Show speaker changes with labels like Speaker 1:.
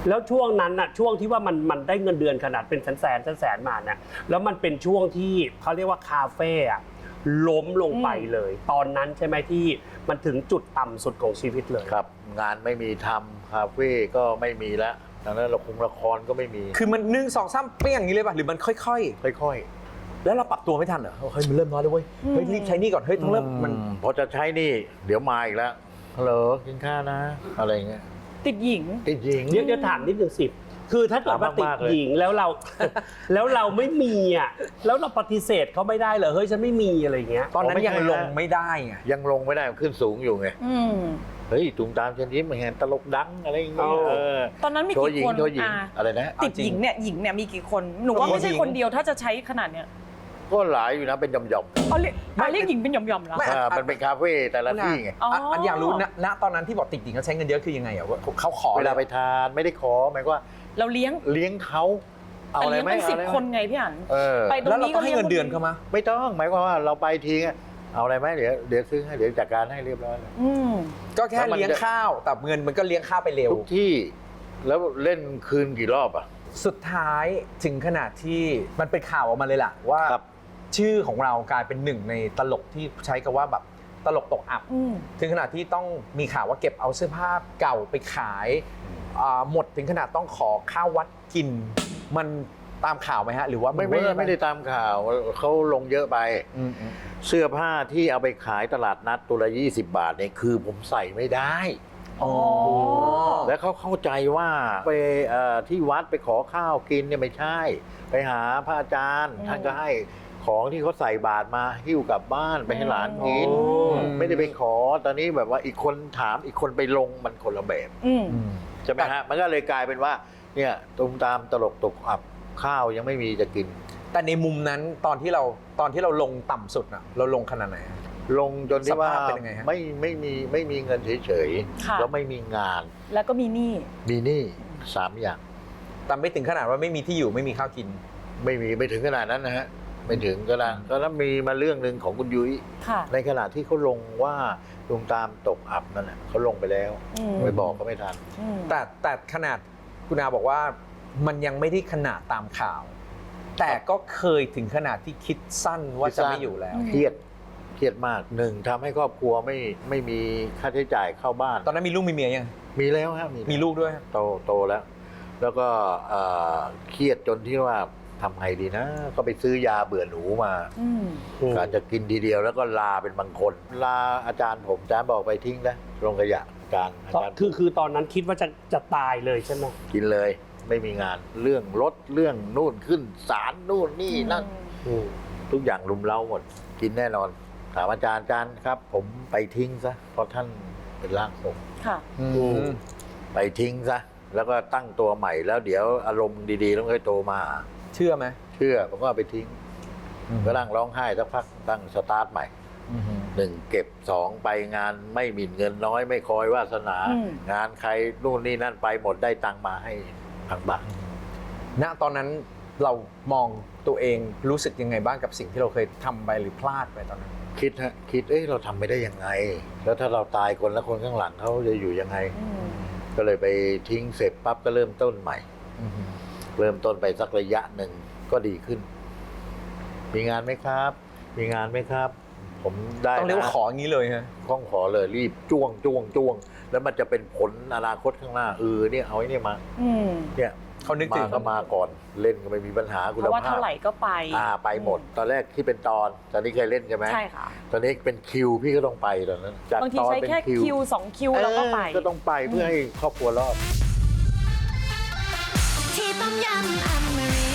Speaker 1: แล้วช่วงนั้นน่ะช่วงที่ว่ามันได้เงินเดือนขนาดเป็นแสนมาเนี่ยแล้วมันเป็นช่วงที่เขาเรียกว่าคาเฟ่อะล้มลงไปเลย ตอนนั้นใช่ไหมที่มันถึงจุดต่ำสุดของชีวิตเลย
Speaker 2: ครับงานไม่มีทำคาเฟ่ก็ไม่มีแล้วดังนั้นละครก็ไม่มี
Speaker 3: คือมัน1 2 3เปรี้ยงอย่างนี้เลยป่ะหรือมันค่อยๆแล้วเราปรับตัวไม่ทันเหรอเฮ้ยมันเริ่มน้อยแล้วเว้ยเฮ้ยรีบใช้นี่ก่อนเฮ้ยต้องเริ่มมัน
Speaker 2: พอจะใช้นี่เดี๋ยวมาอีกแล้วฮัลโหลกินข้าวนะอะไรเงี้ย
Speaker 4: ติดหญิง
Speaker 2: ติดหญิง
Speaker 1: เดี๋ยวถามนิดนึงสิคือถ้าเกิดว่าติดหญิงแล้วเรา แล้วเราไม่มีอ่ะแล้วเราปฏิเสธเขาไม่ได้เหรอเฮ้ยฉันไม่มีอะไรเงี้ย
Speaker 3: ตอนนั้นยังลงไม่ได้ไง
Speaker 2: ยังลงไม่ได้ขึ้นสูงอยู่ไง
Speaker 4: อืม
Speaker 2: เฮ้ยตุ้มตามเชิญยิ้มเห็นตลกดังอะไรอย่างเงี้ย
Speaker 4: ตอนนั้นมี
Speaker 2: โชว์
Speaker 4: กี่
Speaker 2: หญิง
Speaker 4: คน
Speaker 2: โชว์หญิงอะไรนะ
Speaker 4: ติดหญิงเนี่ยมีกี่คนหนูว่าไม่ใช่คนเดียวถ้าจะใช้ขนาดเนี้ย
Speaker 2: ก็หลายอยู่นะเป็นหย่อม
Speaker 4: เรียกหญิงเป็นหย่อมๆแล้ว
Speaker 2: ๆมันเป็นคาเฟ่แต่ละที่ไง
Speaker 3: อันอยากรู้ณตอนนั้นที่บอกติดหญิงเขาใช้เงินเยอะคือยังไงอ่ะว่าเขาขอ
Speaker 2: เวลาไปทานไม่ได้ขอหมายว่า
Speaker 4: เราเลี้ยง
Speaker 2: เลี้ยงเขาเอาอะไร
Speaker 4: เลี้ยง
Speaker 2: ไหม
Speaker 4: เป็น10 คนไงพี่อั๋นไปตรง
Speaker 3: แล้วเรา
Speaker 4: นี้
Speaker 3: ต้
Speaker 4: ก็
Speaker 3: องให้
Speaker 4: เลี้ยง
Speaker 3: เงินเดือนเขามา
Speaker 2: ไม่ต้องหมายความว่าเราไปทีเอาอะไรไหมเดี๋ยวซื้อให้เดี๋ยวจัดการให้เรียบร้อยเลย
Speaker 3: ก็แค่เลี้ยงข้าวแต่เงินมันก็เลี้ยงข้าวไปเร็ว
Speaker 2: ทุกที่แล้วเล่นคืนกี่รอบอ่ะ
Speaker 3: สุดท้ายถึงขนาดที่มันเป็นข่าวออกมาเลยล่ะว่า
Speaker 2: ครับ
Speaker 3: ชื่อของเรากลายเป็นหนึ่งในตลกที่ใช้คำว่าแบบตลกตกอับ ถึงขนาดที่ต้องมีข่าวว่าเก็บเอาเสื้อผ้าเก่าไปขายหมดถึงขนาดต้องขอข้าววัดกิน มันตามข่าวไหมฮะหรือว่ามัน
Speaker 2: ไม่ได้ตามข่าวเขาลงเยอะไป เสื้อผ้าที่เอาไปขายตลาดนัดตัวละ20 บาทเนี่ยคือผมใส่ไม่ได้
Speaker 3: อ๋อ
Speaker 2: แล้วเขาเข้าใจว่าไปที่วัดไปขอข้าวกินเนี่ยไม่ใช่ ไปหาพระอาจารย์ท่านก็ให้ของที่เขาใส่บาตรมาหิ้วกลับบ้านไปให้หลานกินไม่ได้ไปขอตอนนี้แบบว่าอีกคนถามอีกคนไปลงมันคนละแบบใช่ไหมฮะมันก็เลยกลายเป็นว่าเนี่ยตุ้มตามตลกตกอับข้าวยังไม่มีจะกิน
Speaker 3: แต่ในมุมนั้นตอนที่เราลงต่ำสุดน่ะเราลงขนาดไหน
Speaker 2: ลงจนที่ว่า
Speaker 3: สภาพเป็นยังไงฮะ
Speaker 2: ไม่มีเงินเฉย
Speaker 4: ค่ะ
Speaker 2: ๆแล้วไม่มีงาน
Speaker 4: แล้วก็มีหนี้
Speaker 2: มีหนี้3 อย่าง
Speaker 3: แต่ไม่ถึงขนาดว่าไม่มีที่อยู่ไม่มีข้าวกิน
Speaker 2: ไม่ถึงขนาดนั้นนะฮะไม่ถึงก็ได้ก็แล้วมีมาเรื่องหนึ่งของคุณยุ้ย
Speaker 4: ค่ะ
Speaker 2: ในขณะที่เขาลงว่าลุงตามตกอับนั่นแหละเขาลงไปแล้วไปบอกก็ไม่ทัน
Speaker 3: แต่ขนาดคุณอาบอกว่ามันยังไม่ได้ขนาดตามข่าว แต่ก็เคยถึงขนาดที่คิดสั้นว่าจะไม่อยู่แล้ว
Speaker 2: เครียดมากหนึ่งทำให้ครอบครัวไม่มีค่าใช้จ่ายเข้าบ้าน
Speaker 3: ตอนนั้นมีลูกมีเมียยัง
Speaker 2: มีแล้วครับ
Speaker 3: มีลูกด้วย
Speaker 2: โตแล้ว แล้วก็เครียดจนที่ว่าทำไงดีนะ ก็ไปซื้อยาเบื่อหนูมาการจะกินทีเดียวแล้วก็ลาเป็นบางคน ลาอาจารย์ผมอาจารย์บอกไปทิ้งนะลงขยะอาจารย์
Speaker 1: คือตอนนั้นคิดว่าจะตายเลยใช่ไหม
Speaker 2: กินเลยไม่มีงานเรื่องรถเรื่องนู่นขึ้นศาลนู่นนี่นั่นทุกอย่างรุมเร้าหมดกินแน่นอนถามอาจารย์ครับ ผมไปทิ้งซะเพราะท่านเป็นร่างทรง
Speaker 4: ค่ะ
Speaker 2: ไปทิ้งซะแล้วก็ตั้งตัวใหม่แล้วเดี๋ยวอารมณ์ดีๆต้องค่อยโตมา
Speaker 3: เชื่อไหม
Speaker 2: เชื่อผมก็เอาไปทิ้งก็นั่งร้องไห้สักพักตั้งสตาร์ทใหม่1เก็บ2ไปงานไม่มีเงินน้อยไม่คอยวาสนา งานใครนู่นนี่นั่นไปหมดได้ตังมาให้ทางบ้าน
Speaker 3: ณตอนนั้นเรามองตัวเองรู้สึกยังไงบ้างกับสิ่งที่เราเคยทำไปหรือพลาดไปตอนนั้น
Speaker 2: คิดเราทำไม่ได้ยังไง แล้วถ้าเราตายคนแล้วคนข้างหลังเขาจะอยู่ยังไงก็เลยไปทิ้งเสร็จปั๊บก็เริ่มต้นใหม่เริ่มต้นไปสักระยะหนึ่งก็ดีขึ้นมีงานไหมครับมีงานไหมครับ ผมได้
Speaker 3: ต้องเรียกว่าขออย่างนี้เลยฮะ
Speaker 2: ต้องขอเลยรีบจ้วงแล้วมันจะเป็นผลอนาคตข้างหน้าเนี่ยเอาไอ้นี่มาเนี่ย
Speaker 3: เขานึกถึง
Speaker 2: ก็มาก่อนเล่นก็ไม่มีปัญหาคุณภาพ
Speaker 4: เพราะว่าเท่าไหร่ก็ไป
Speaker 2: ไปหมดตอนแรกที่เป็นตอนนี้เคยเล่นใช่ไหม
Speaker 4: ใช่ค่ะ
Speaker 2: ตอนนี้เป็นคิวพี่ก็ต้องไปตอนนั้นจาก
Speaker 4: บางที
Speaker 2: ตอน
Speaker 4: ใช้
Speaker 2: เป็น
Speaker 4: แค่ คิว2 คิวแล้วก็ไป
Speaker 2: ก็ต้องไปเพื่อให้ครอบครัวรอด
Speaker 5: ที่ต้มยำอมริ